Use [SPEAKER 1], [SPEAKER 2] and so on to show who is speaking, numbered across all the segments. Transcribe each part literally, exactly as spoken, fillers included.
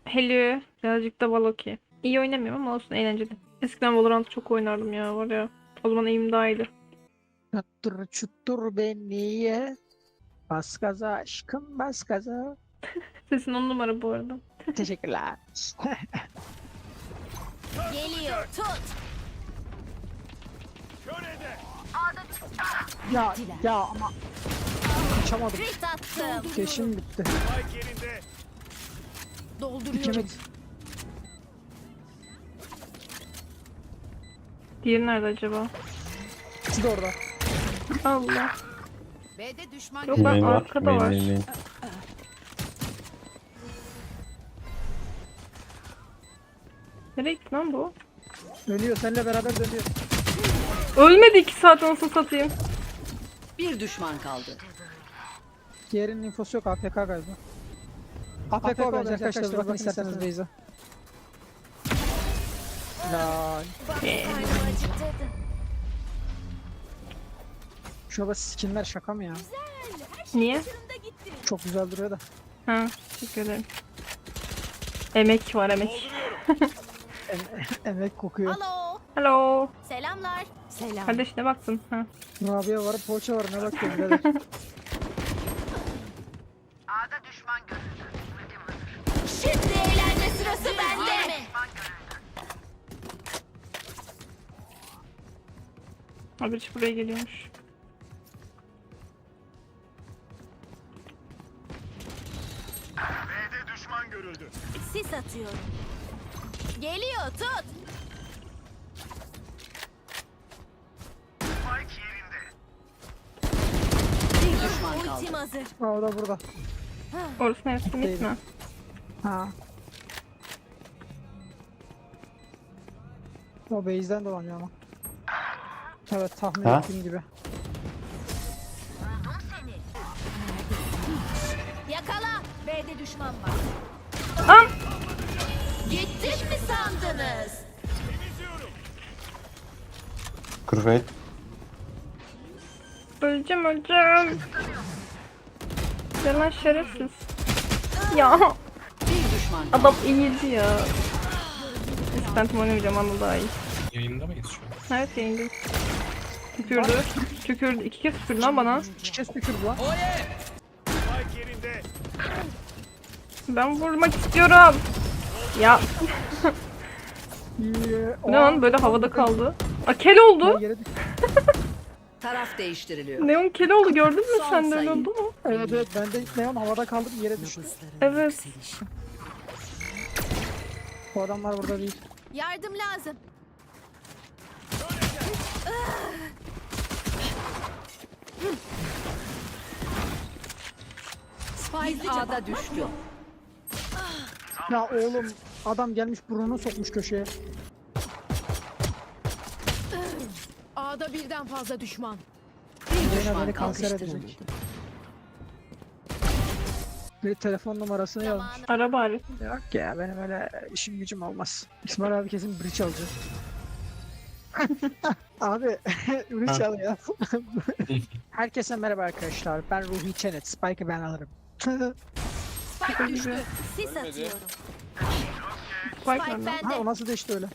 [SPEAKER 1] Hello. Birazcık da Valoki. İyi oynamıyorum ama olsun, eğlenceli. Eskiden Valorant çok oynardım ya, var ya. O zaman eğim daha iyiydi.
[SPEAKER 2] Çuttur çuttur beni ye. Bas gaza aşkım bas gaza.
[SPEAKER 1] Sesin on numara bu arada.
[SPEAKER 2] Teşekkürler.
[SPEAKER 3] Geliyor, tut.
[SPEAKER 2] Ya ya ama kaçamadım.
[SPEAKER 3] Crit attım.
[SPEAKER 2] Keşim bitti.
[SPEAKER 3] Dolduruyorum.
[SPEAKER 2] İkimit.
[SPEAKER 1] Diğeri nerede acaba?
[SPEAKER 2] İkisi de orada.
[SPEAKER 1] Allah.
[SPEAKER 3] B'de düşman
[SPEAKER 1] Yok
[SPEAKER 3] görüldü.
[SPEAKER 1] lan,
[SPEAKER 4] Main var.
[SPEAKER 1] arkada
[SPEAKER 4] Main,
[SPEAKER 1] var.
[SPEAKER 4] main, main.
[SPEAKER 1] Nereye gitti lan bu?
[SPEAKER 2] Dönüyor seninle beraber dönüyor.
[SPEAKER 1] Ölmedi iki saat, nasıl satayım.
[SPEAKER 5] Bir düşman kaldı.
[SPEAKER 2] Diğerinin infosu yok, A F K galiba. A F K bence arkadaşlar, bakın isterseniz Beyza. Laaal. Şurada skinler şaka mı ya?
[SPEAKER 1] Niye?
[SPEAKER 2] Çok güzel duruyor da.
[SPEAKER 1] Ha, teşekkür ederim. Emek var, emek.
[SPEAKER 2] Em emek kokuyor.
[SPEAKER 3] Alo.
[SPEAKER 1] Hello.
[SPEAKER 3] Selamlar. Selam.
[SPEAKER 1] Kardeş ne baktın? Ha.
[SPEAKER 2] Rabia var, poğaça var, ne bakıyorsun birader?
[SPEAKER 3] Şimdi eğlence sırası bende.
[SPEAKER 1] Abi hiç buraya geliyormuş.
[SPEAKER 6] B'de düşman görüldü.
[SPEAKER 3] Sis atıyorum. Geliyor, tut.
[SPEAKER 6] Spike yerinde.
[SPEAKER 5] Bir düşman kaldı.
[SPEAKER 3] Ultim hazır.
[SPEAKER 2] Aa, o da burada.
[SPEAKER 1] Orası neresi,
[SPEAKER 2] Değil.
[SPEAKER 1] mit mi?
[SPEAKER 2] Ha. O base'den dolanıyor ama. Evet, tahmin
[SPEAKER 4] Ha?
[SPEAKER 2] ettiğim gibi.
[SPEAKER 3] Yakala. B'de düşman var.
[SPEAKER 1] Am!
[SPEAKER 3] Gittim mi sandınız?
[SPEAKER 4] Kurfet.
[SPEAKER 1] Öleceğim, öleceğim. Yalan şerefsiz. Ya
[SPEAKER 5] Bir düşman kaldı.
[SPEAKER 1] adam iyiydi ya. İstentim oynamayacağım, ama daha iyi.
[SPEAKER 7] Yayında mıyız şu an?
[SPEAKER 1] Evet, yayındayım. Tükürdü. Tükürdü. İki kez tükürdü lan bana.
[SPEAKER 2] Şişe tükürdü lan.
[SPEAKER 6] Spike yerinde.
[SPEAKER 1] Ben vurmak istiyorum. Ya
[SPEAKER 2] İyi.
[SPEAKER 1] bu ne lan, böyle havada kaldı. Aa, kel oldu.
[SPEAKER 2] Yere düştü.
[SPEAKER 5] Taraf değiştiriliyor.
[SPEAKER 1] Neon kel oldu, gördün mü
[SPEAKER 5] Son
[SPEAKER 1] sen de, öyle
[SPEAKER 5] sayı.
[SPEAKER 1] oldu mu?
[SPEAKER 2] Evet evet, ben de neon havada kaldım, yere düştü.
[SPEAKER 1] Evet.
[SPEAKER 2] Bu adamlar burada değil.
[SPEAKER 3] Yardım lazım.
[SPEAKER 5] Spike A'da düştü.
[SPEAKER 2] Ya oğlum, adam gelmiş burnunu sokmuş köşeye.
[SPEAKER 3] A'da birden fazla düşman.
[SPEAKER 5] Bir
[SPEAKER 2] Yine
[SPEAKER 5] düşman
[SPEAKER 2] beni
[SPEAKER 5] kaldı.
[SPEAKER 2] kanser edecek. Bir telefon numarasını yazmış.
[SPEAKER 3] Zamanı.
[SPEAKER 1] Ara bari.
[SPEAKER 2] Yok ya, benim öyle işim gücüm olmaz. İsmail abi kesin bridge alacak. Abi bridge al ya. Herkese merhaba arkadaşlar. Ben Ruhi Çenet. Spike'ı ben alırım.
[SPEAKER 3] Spike düştü. Sis atıyorum.
[SPEAKER 1] Spike var
[SPEAKER 3] Spike
[SPEAKER 1] lan.
[SPEAKER 2] Ha,
[SPEAKER 3] bende.
[SPEAKER 2] o nasıl değişti öyle?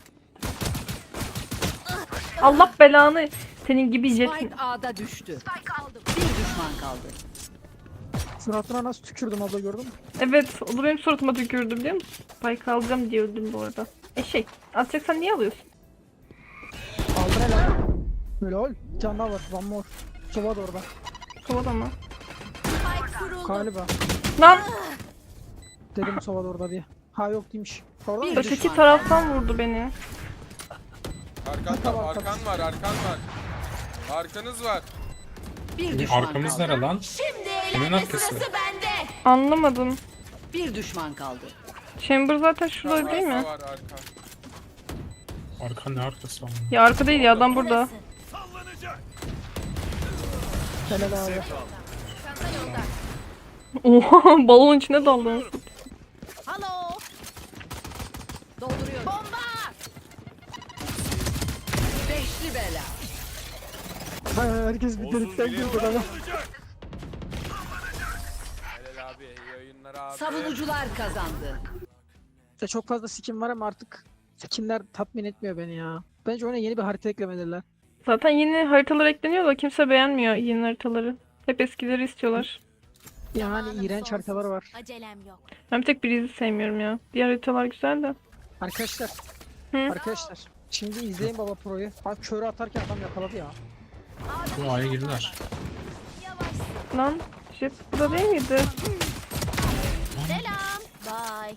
[SPEAKER 1] Allah belanı. Senin gibi jetin.
[SPEAKER 5] Spike A'da düştü. Bir düşman kaldı.
[SPEAKER 2] Suratına nasıl tükürdüm abla, gördün mü?
[SPEAKER 1] Evet, o da benim suratıma tükürdü, biliyor musun? Spike alacağım diye öldüm bu arada. Eşek. Atacaksan niye alıyorsun?
[SPEAKER 2] Aldır hele. Böyle ol. Bir tane daha var. One more. Sova da orada.
[SPEAKER 1] Kovalama.
[SPEAKER 3] Spike kuruldu.
[SPEAKER 2] Galiba.
[SPEAKER 1] Lan
[SPEAKER 2] Dedim Sova da orada diye. Ha yok değilmiş. Orada mı?
[SPEAKER 5] Bir
[SPEAKER 1] öteki
[SPEAKER 5] düşman
[SPEAKER 1] taraftan vurdu beni.
[SPEAKER 8] Arkan,
[SPEAKER 2] Tamam,
[SPEAKER 8] arkan var, arkan var. Arkanız var.
[SPEAKER 5] Bir düşman
[SPEAKER 7] Arkamız
[SPEAKER 5] kaldı.
[SPEAKER 7] nere lan?
[SPEAKER 3] Şimdi
[SPEAKER 7] Kimin
[SPEAKER 3] eğlence
[SPEAKER 7] arkası?
[SPEAKER 3] sırası bende.
[SPEAKER 1] Anlamadım.
[SPEAKER 5] Bir düşman kaldı.
[SPEAKER 1] Chamber zaten şurada değil mi?
[SPEAKER 8] Arka var, arka.
[SPEAKER 7] Arka ne arkası var?
[SPEAKER 1] Ya arka değil ya, adam burada.
[SPEAKER 3] Burası.
[SPEAKER 6] Sallanacak.
[SPEAKER 2] Helal abi.
[SPEAKER 3] Çanta yolda.
[SPEAKER 1] Oha, balon içine daldı.
[SPEAKER 3] Halo. Dolduruyorum. Bomba.
[SPEAKER 5] Beşli bela.
[SPEAKER 2] Ha, herkes bir delikten girdi ama.
[SPEAKER 6] Sallanacak.
[SPEAKER 8] Helal abi, iyi oyunlar abi.
[SPEAKER 5] Savunucular kazandı.
[SPEAKER 2] Ya çok fazla skin var ama artık skinler tatmin etmiyor beni ya. Bence oyuna yeni bir harita eklemeliler.
[SPEAKER 1] Zaten yeni haritalar ekleniyor da kimse beğenmiyor yeni haritaları. Hep eskileri istiyorlar.
[SPEAKER 2] Yani
[SPEAKER 3] Zamanım
[SPEAKER 2] iğrenç
[SPEAKER 3] sonsuz.
[SPEAKER 2] haritalar var.
[SPEAKER 3] Acelem yok.
[SPEAKER 1] Ben bir tek Breeze'i sevmiyorum ya. Diğer haritalar güzel de.
[SPEAKER 2] Arkadaşlar.
[SPEAKER 1] Hı?
[SPEAKER 2] Arkadaşlar. Şimdi izleyin Baba Pro'yu. Bak körü atarken adam yakaladı ya.
[SPEAKER 7] Bu A'ya girdiler.
[SPEAKER 3] Yavaş.
[SPEAKER 1] Lan Jet burada değil miydi?
[SPEAKER 3] Selam. Bye.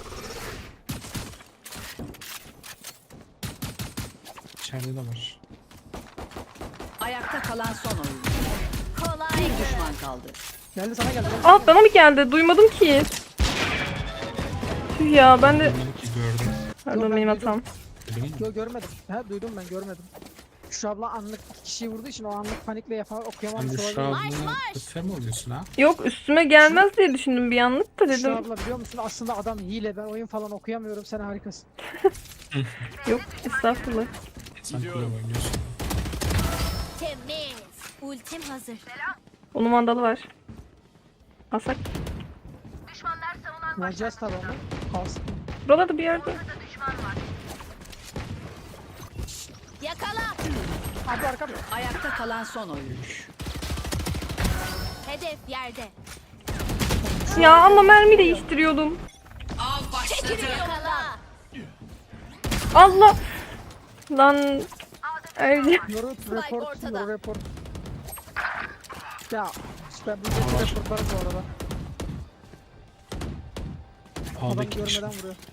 [SPEAKER 7] İçeride de var.
[SPEAKER 5] Ayakta kalan son oyuncu.
[SPEAKER 3] Kolay.
[SPEAKER 5] Bir düşman kaldı.
[SPEAKER 2] Geldi sana geldi.
[SPEAKER 1] Aa bana mı geldi? Duymadım ki. Tüh ya ben de...
[SPEAKER 7] Bilmiyorum ki gördüm.
[SPEAKER 1] Pardon
[SPEAKER 2] ben
[SPEAKER 1] benim
[SPEAKER 2] duydum.
[SPEAKER 1] hatam.
[SPEAKER 7] Duydun mu?
[SPEAKER 2] Yo görmedim. Ha duydum ben görmedim. Şu abla anlık iki kişiyi vurduğu için o anlık panikle yapar okuyamamış
[SPEAKER 7] Sen
[SPEAKER 2] olabilir.
[SPEAKER 7] Büşra ablanı kötü mi oluyorsun ha?
[SPEAKER 1] Yok üstüme gelmez diye düşündüm bir anlık da
[SPEAKER 2] Şu
[SPEAKER 1] dedim.
[SPEAKER 2] abla biliyor musun aslında adam hile, ben oyun falan okuyamıyorum, sen harikasın.
[SPEAKER 1] Yok estağfurullah.
[SPEAKER 7] Sen kule oynuyorsun.
[SPEAKER 3] Temiz. Ultim hazır.
[SPEAKER 1] Onun vandalı var. Alsak.
[SPEAKER 2] Vereceğiz tabi onu. Kalsın.
[SPEAKER 1] Buralarda bir yerde.
[SPEAKER 3] Yakala.
[SPEAKER 2] Abla arka mı?
[SPEAKER 5] Ayakta kalan son oyuncu.
[SPEAKER 3] Hedef yerde.
[SPEAKER 1] Ya ama mermi değiştiriyordum.
[SPEAKER 5] Av başladı.
[SPEAKER 3] Yakala.
[SPEAKER 1] Allah. Lan. Erce.
[SPEAKER 2] Yoru report,
[SPEAKER 3] ortada.
[SPEAKER 2] yoru report. Ya ben bu yüzden reportlarım bu arada. Adam
[SPEAKER 7] A'daki kişi.
[SPEAKER 2] görmeden vuruyor.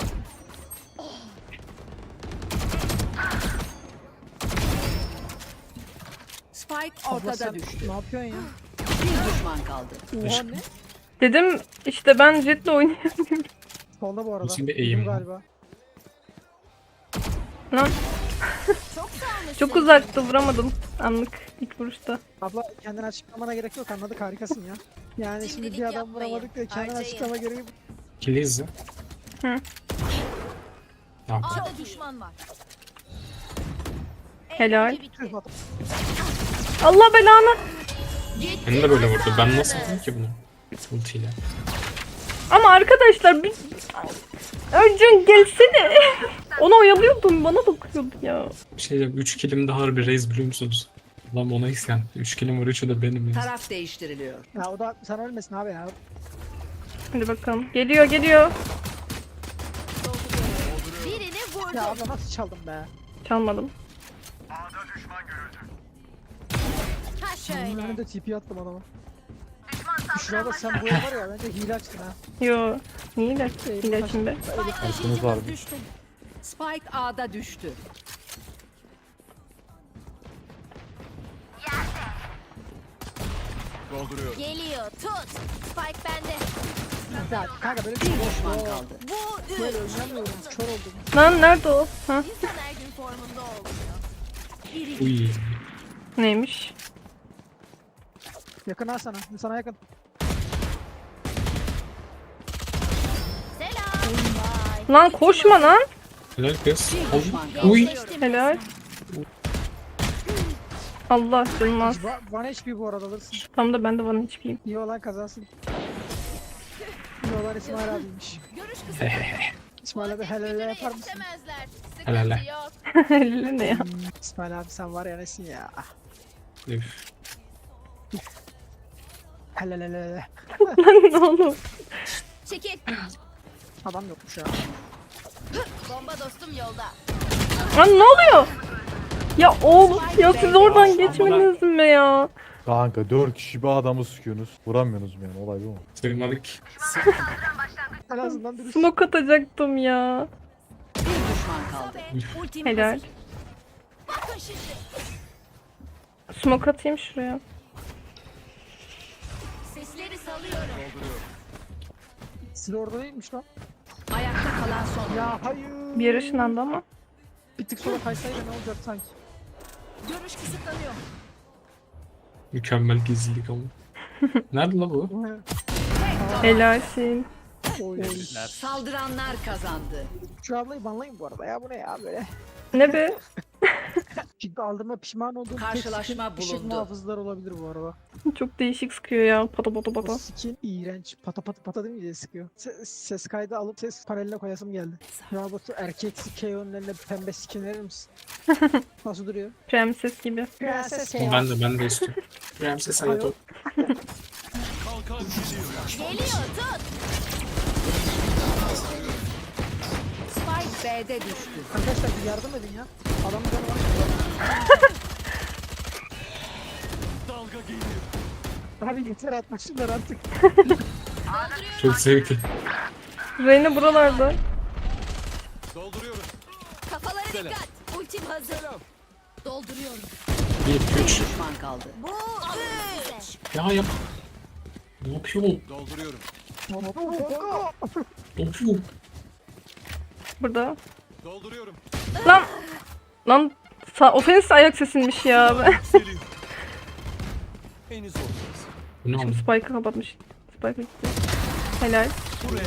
[SPEAKER 5] Spike
[SPEAKER 2] Abla
[SPEAKER 5] ortada
[SPEAKER 2] sen
[SPEAKER 5] düştü.
[SPEAKER 2] ne yapıyorsun ya?
[SPEAKER 5] Bir düşman kaldı.
[SPEAKER 2] Oha ne?
[SPEAKER 1] Dedim işte ben Jet'le oynayamıyorum.
[SPEAKER 2] Solda bu arada.
[SPEAKER 7] Nasıl bir
[SPEAKER 2] Duydum
[SPEAKER 7] eğim bu?
[SPEAKER 2] galiba.
[SPEAKER 1] Lan
[SPEAKER 3] Çok sağlıklı.
[SPEAKER 1] çok uzaktı vuramadım. Anlık ilk vuruşta.
[SPEAKER 2] Abla kendini açıklamana gerek yok, anladık, harikasın ya. Yani şimdi
[SPEAKER 3] Cimrilik
[SPEAKER 2] bir adam
[SPEAKER 3] yapmayın,
[SPEAKER 2] vuramadık diye kendini
[SPEAKER 3] harcayın.
[SPEAKER 2] açıklama gereği.
[SPEAKER 7] Kili izle.
[SPEAKER 1] Hı.
[SPEAKER 7] Ne yaptın?
[SPEAKER 3] A'da düşman var.
[SPEAKER 1] Helal.
[SPEAKER 3] Eğlence bitti.
[SPEAKER 2] Tüh, bak.
[SPEAKER 1] Allah belanı.
[SPEAKER 7] Beni de böyle vurdu. Ben nasıl vurdum ki bunu? Ultiyle.
[SPEAKER 1] Ama arkadaşlar bir... Öncün gelsene. Onu oyalıyordum bana bakıyordu ya.
[SPEAKER 7] Bir şey diyeceğim. üç kilim daha harbi reis biliyor musunuz? Lan ona isyan. üç kilim var üçü de benim ya.
[SPEAKER 5] Taraf değiştiriliyor.
[SPEAKER 2] Ya o da sen ölmesin abi ya.
[SPEAKER 1] Hadi bakalım. Geliyor geliyor.
[SPEAKER 3] Birini vurdum.
[SPEAKER 2] Ya abla nasıl çaldım be?
[SPEAKER 1] Çalmadım.
[SPEAKER 3] Ha
[SPEAKER 2] Bunun
[SPEAKER 3] şöyle.
[SPEAKER 2] önünde T P attım adama. Şurada sen bu var ya, bence hile açtın ha.
[SPEAKER 1] Yo. Niye de? Hile şimdi.
[SPEAKER 3] Spike
[SPEAKER 4] Taşınız var
[SPEAKER 3] taşıyıcımız
[SPEAKER 4] bir.
[SPEAKER 3] düştü.
[SPEAKER 5] Spike A'da düştü.
[SPEAKER 6] Dolduruyorum.
[SPEAKER 3] Geliyor. Tut. Spike bende.
[SPEAKER 2] Ya kanka böyle bir
[SPEAKER 5] Bir
[SPEAKER 2] şey
[SPEAKER 5] düşman
[SPEAKER 2] yok.
[SPEAKER 5] kaldı.
[SPEAKER 3] Bu
[SPEAKER 2] Böyle
[SPEAKER 3] üç.
[SPEAKER 2] oynamıyorum, kör oldum.
[SPEAKER 1] Lan nerede o? Ha?
[SPEAKER 3] İnsan her gün formunda olmuyor.
[SPEAKER 7] Uy.
[SPEAKER 1] Neymiş?
[SPEAKER 2] Yakın ha sana, sana yakın.
[SPEAKER 3] Selam. Bye.
[SPEAKER 1] Lan koşma lan.
[SPEAKER 7] Helal kız.
[SPEAKER 5] Bir düşman kaldı.
[SPEAKER 7] Uy.
[SPEAKER 3] Geçtim.
[SPEAKER 1] Helal. Allah canım az.
[SPEAKER 2] Va- One H P bu arada alırsın.
[SPEAKER 1] Tam da ben de bana hiçbiriyim.
[SPEAKER 2] İyi olan kazansın. İyi olan İsmail abiymiş.
[SPEAKER 3] Görüş kısmı.
[SPEAKER 2] İsmail abi helal helal yapar mısın?
[SPEAKER 3] Yetişemezler. Sıkıntı
[SPEAKER 7] Helal.
[SPEAKER 3] yok.
[SPEAKER 1] Elle ne ya?
[SPEAKER 2] İsmail abi sen var ya nesin ya.
[SPEAKER 7] Üf.
[SPEAKER 2] Helal helal helal.
[SPEAKER 1] Lan ne oğlum?
[SPEAKER 3] Çekil.
[SPEAKER 2] Adam yokmuş ya.
[SPEAKER 3] Bomba dostum yolda.
[SPEAKER 1] Lan ne oluyor? Ya oğlum ya siz oradan geçmediniz mi ya?
[SPEAKER 4] Kanka dört kişi bir adamı sıkıyorsunuz. Vuramıyorsunuz mu yani, olay bu mu?
[SPEAKER 7] Sığmadık.
[SPEAKER 2] En azından dürüst.
[SPEAKER 1] Smoke atacaktım ya.
[SPEAKER 5] Bir düşman kaldı.
[SPEAKER 3] Ultim
[SPEAKER 1] Helal.
[SPEAKER 3] hazır. Bakın şimdi.
[SPEAKER 1] Smoke atayım şuraya.
[SPEAKER 3] Sesleri salıyorum.
[SPEAKER 2] Silah orada değilmiş lan.
[SPEAKER 5] Ayakta kalan son oyuncu.
[SPEAKER 2] Ya hayır.
[SPEAKER 1] Bir yere ışınlandı ama.
[SPEAKER 2] Bir tık sonra kaysaydı ne olacak sanki.
[SPEAKER 3] Görüş kısıtlanıyor.
[SPEAKER 7] Mükemmel gizlilik ama. Nerede la bu?
[SPEAKER 1] Helalsin.
[SPEAKER 2] Oy.
[SPEAKER 5] Saldıranlar kazandı.
[SPEAKER 2] Şu ablayı banlayın bu arada ya, bu ne ya böyle.
[SPEAKER 1] Ne be?
[SPEAKER 2] Şimdi aldığıma pişman olduğum tek
[SPEAKER 5] Karşılaşma
[SPEAKER 2] skin ışık
[SPEAKER 5] bulundu.
[SPEAKER 2] muhafızlar olabilir bu arada.
[SPEAKER 1] Çok değişik sıkıyor ya. Pata pata
[SPEAKER 2] O
[SPEAKER 1] pata.
[SPEAKER 2] skin iğrenç. Pata pata pata değil mi diye sıkıyor. Se- ses kaydı alıp ses paneline koyasım geldi. Ya Batu erkeksi K O'nun eline pembe skin verir misin? Nasıl duruyor?
[SPEAKER 1] Prenses gibi.
[SPEAKER 2] Prenses K O.
[SPEAKER 7] Ben de ben de istiyorum. Prenses Hayat.
[SPEAKER 6] Kalkan geliyor.
[SPEAKER 3] Geliyor tut.
[SPEAKER 5] Spike B'de düştü.
[SPEAKER 2] Arkadaşlar bir yardım edin ya. Adamın canı var.
[SPEAKER 6] Dalga geliyor.
[SPEAKER 2] Abi yeter atmışlar artık.
[SPEAKER 7] Çok zevkli.
[SPEAKER 1] Reyna buralarda.
[SPEAKER 6] Dolduruyorum.
[SPEAKER 3] Kafalara dikkat. Ultim hazır. Dolduruyorum.
[SPEAKER 7] Bir, iki,
[SPEAKER 5] Bir
[SPEAKER 7] üç.
[SPEAKER 5] düşman kaldı.
[SPEAKER 3] Bu üç.
[SPEAKER 7] Ya yap. Ne yapıyor bu?
[SPEAKER 6] Dolduruyorum.
[SPEAKER 7] Ne yapıyor?
[SPEAKER 1] Burada.
[SPEAKER 6] Dolduruyorum.
[SPEAKER 1] Lan. Lan. Sa ofens ayak sesinmiş ya. Ben
[SPEAKER 6] Yükseliyor. Henüz olmaz.
[SPEAKER 7] Bu ne oldu?
[SPEAKER 1] Spike'ı kapatmış. Spike'ı gitti. Helal.
[SPEAKER 6] Buraya.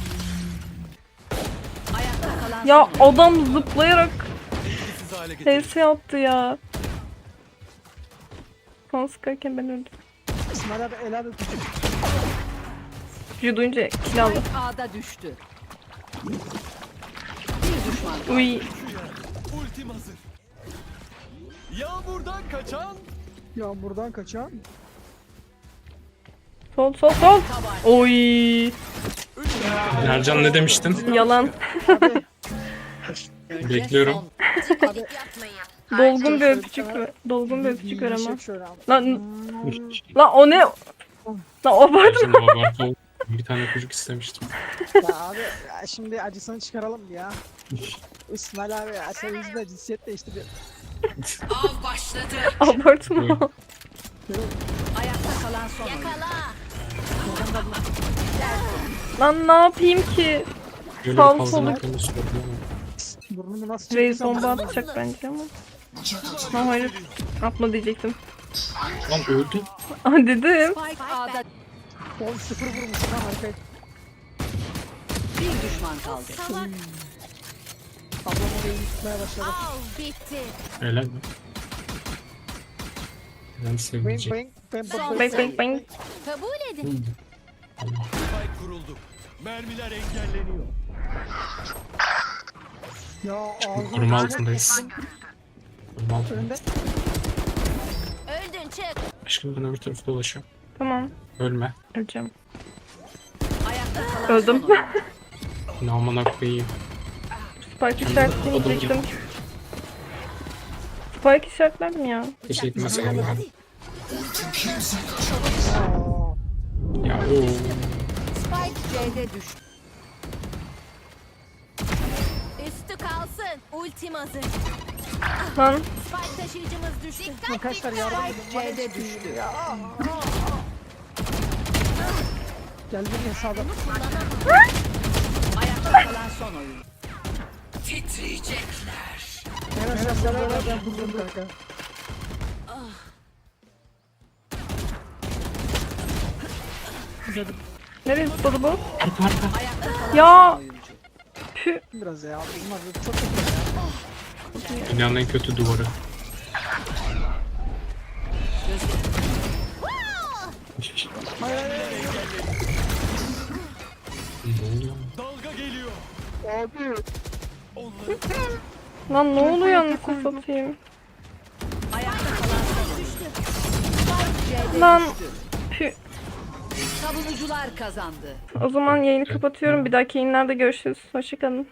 [SPEAKER 5] Ayakta kalan
[SPEAKER 1] Ya
[SPEAKER 5] son.
[SPEAKER 1] adam zıplayarak
[SPEAKER 6] Etkisiz hale getir.
[SPEAKER 1] H S attı ya. Son sıkarken ben öldüm.
[SPEAKER 2] İsmail abi el abi küçük.
[SPEAKER 1] Gücü duyunca kill aldı.
[SPEAKER 5] Spike A'da düştü. Bir düşman kaldı.
[SPEAKER 1] Uy.
[SPEAKER 6] Ultim hazır. Yağmurdan kaçan.
[SPEAKER 2] Ya buradan kaçan.
[SPEAKER 1] Sol sol sol. Oy.
[SPEAKER 7] Ercan ne demiştin?
[SPEAKER 1] Yalan.
[SPEAKER 2] Abi,
[SPEAKER 7] Bekliyorum.
[SPEAKER 2] abi.
[SPEAKER 1] Dolgun bir
[SPEAKER 2] Şöyle
[SPEAKER 1] öpücük
[SPEAKER 2] sana
[SPEAKER 1] ver. Dolgun bir öpücük ver ama.
[SPEAKER 2] yiyecek şöyle abi.
[SPEAKER 1] Lan, lan o ne? Lan o var.
[SPEAKER 7] Ercan abartı oldu. Bir tane çocuk istemiştim.
[SPEAKER 2] Ya abi ya şimdi acısını çıkaralım ya. İsmail abi ya sen yüzünden cinsiyet değiştiriyor.
[SPEAKER 5] Av başladı.
[SPEAKER 1] Abartma.
[SPEAKER 5] Ayakta kalan son. oyuncu.
[SPEAKER 3] Yakala.
[SPEAKER 1] Lan ne yapayım ki?
[SPEAKER 7] Böyle
[SPEAKER 1] Sağ ol,
[SPEAKER 7] fazla
[SPEAKER 1] soluk.
[SPEAKER 7] noktamı sordu
[SPEAKER 2] Burnumu nasıl
[SPEAKER 1] Reis
[SPEAKER 2] çektiysem
[SPEAKER 1] bomba
[SPEAKER 2] burnumu-
[SPEAKER 1] atacak bence ama. Ha hayır. Atma diyecektim.
[SPEAKER 7] ama. Lan öldü.
[SPEAKER 1] Ah dedim.
[SPEAKER 5] Spike A'da
[SPEAKER 2] on sıfır vurmuşsun ha harika.
[SPEAKER 5] bir düşman kaldı.
[SPEAKER 3] Salak.
[SPEAKER 2] Ablam orayı yıkmaya başladı.
[SPEAKER 3] Av bitti.
[SPEAKER 7] Helal mi? Ben
[SPEAKER 2] Bang
[SPEAKER 7] sevmeyecek.
[SPEAKER 2] bang bang
[SPEAKER 3] Son
[SPEAKER 1] Bang bang bang.
[SPEAKER 3] Kabul edin.
[SPEAKER 6] Spike kuruldu. Mermiler engelleniyor.
[SPEAKER 2] Ya ağzım.
[SPEAKER 7] Koruma altındayız. Koruma altında.
[SPEAKER 2] Önünde.
[SPEAKER 3] Öldün çık.
[SPEAKER 7] Aşkım ben öbür tarafa dolaşıyorum.
[SPEAKER 1] Tamam.
[SPEAKER 7] Ölme.
[SPEAKER 1] Öleceğim.
[SPEAKER 5] Ayakta kalan
[SPEAKER 1] Öldüm.
[SPEAKER 5] son oyuncu.
[SPEAKER 7] Ne amına koyayım.
[SPEAKER 1] Spike işaretleyecektim. Spike işaretledim ya.
[SPEAKER 7] Hiç gitmez kaldı.
[SPEAKER 2] Aa,
[SPEAKER 7] Ya ooo.
[SPEAKER 5] Spike C'de düştü.
[SPEAKER 3] Üstü kalsın. Ultim hazır.
[SPEAKER 1] Lan.
[SPEAKER 3] Spike taşıyıcımız düştü.
[SPEAKER 2] arkadaşlar yardım edin. bana
[SPEAKER 5] C'de
[SPEAKER 2] hiçbir şey
[SPEAKER 5] düştü.
[SPEAKER 2] yok ya. Gel bir hesaba.
[SPEAKER 5] Ayakta kalan son oyuncu.
[SPEAKER 2] Hemen sen beraber ben buldum kanka.
[SPEAKER 1] Nereye zıpladı bu?
[SPEAKER 7] Arka arka.
[SPEAKER 5] Ayakta kalan
[SPEAKER 1] Ya.
[SPEAKER 5] son oyuncu.
[SPEAKER 1] Pü.
[SPEAKER 2] Biraz ya. Bunlar çok kötü ya.
[SPEAKER 7] Dünyanın en kötü duvarı.
[SPEAKER 2] Hayır hayır hayır.
[SPEAKER 7] Ne oluyor?
[SPEAKER 6] Dalga geliyor.
[SPEAKER 2] Abi.
[SPEAKER 6] Onları
[SPEAKER 1] Lan ne oluyor anasını satayım.
[SPEAKER 5] Ayakta kalan son oyuncu. Spike C'de
[SPEAKER 1] Lan.
[SPEAKER 5] düştü.
[SPEAKER 1] Pü.
[SPEAKER 5] Savunucular kazandı.
[SPEAKER 1] O zaman yayını kapatıyorum. Bir dahaki yayınlarda görüşürüz. Hoşçakalın.